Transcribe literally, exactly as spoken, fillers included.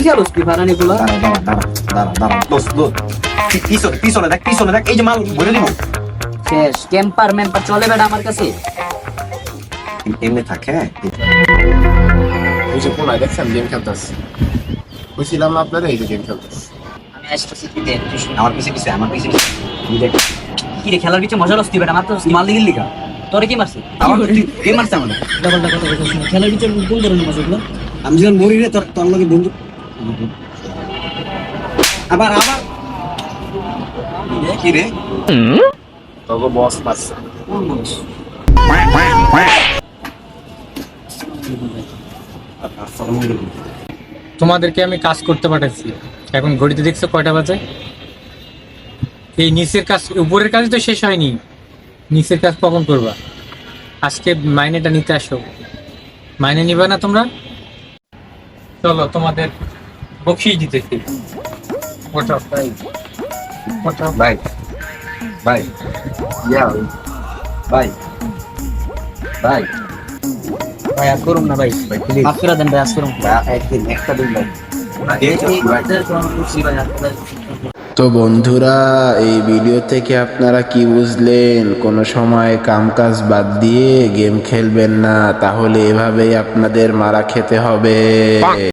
খেলোস কি ফারানি গুলো? দাঁড়া দাঁড়া দাঁড়া দাঁড়া দাঁড়া দোস্ত দোস্ত পি- পিছনে পিছনে দেখ পিছনে দেখ এই যে মাল ভরে দিব শেষ ক্যাম্পার ম্যাম্পার চলে বেটা আমার কাছে। এমনি থাকে ওই যে কোনায় দেখছেন গেম খেলতেছে, বুঝছিলাম না আপনারা এই যে গেম খেলতেছে। আমি আসতেছি কি দেখ তুই শুন। আমার পিছে পিছে আমার পিছে পিছে তুই দেখ কি রে খেলার পিছে মজা লস্তি বেটা মারতে মাল দিগির লিগা তোরে কি মারছে? আমার তুই কে মারছে আমাদের ডাবল ডাবল কথা বলছিস খেলার পিছে কোন ধরনের মজা গুলো? আমি যখন মরি রে তোর তোর লগে বন্ধু আবার আবার কি রে তবে বস মারছে। তোমাদেরকে আমি কাজ করতে পাঠাচ্ছি, এখন ঘড়িতে দেখছো কয়টা বাজে? এই নিচের কাজ উপরের কাজ তো শেষ হয়নি, নিচের কাজ কখন করবা? আজকে মাইনেটা নিতে আসো। মাইনে নিবা না তোমরা? চলো তোমাদের বকশিস দিতেছি। ওঠো ওঠো। ভাই ভাই ইয়া ভাই ভাই ভাই আর করুম না ভাই, ভাই প্লিজ মাফ করে দেন ভাই, আজ করুম। একদিন একটা দিন ভাই তো বন্ধুরা, এই ভিডিও থেকে আপনারা কি বুঝলেন? কোনো সময় কামকাজ বাদ দিয়ে গেম খেলবেন না, তাহলে এভাবেই আপনাদের মারা খেতে হবে।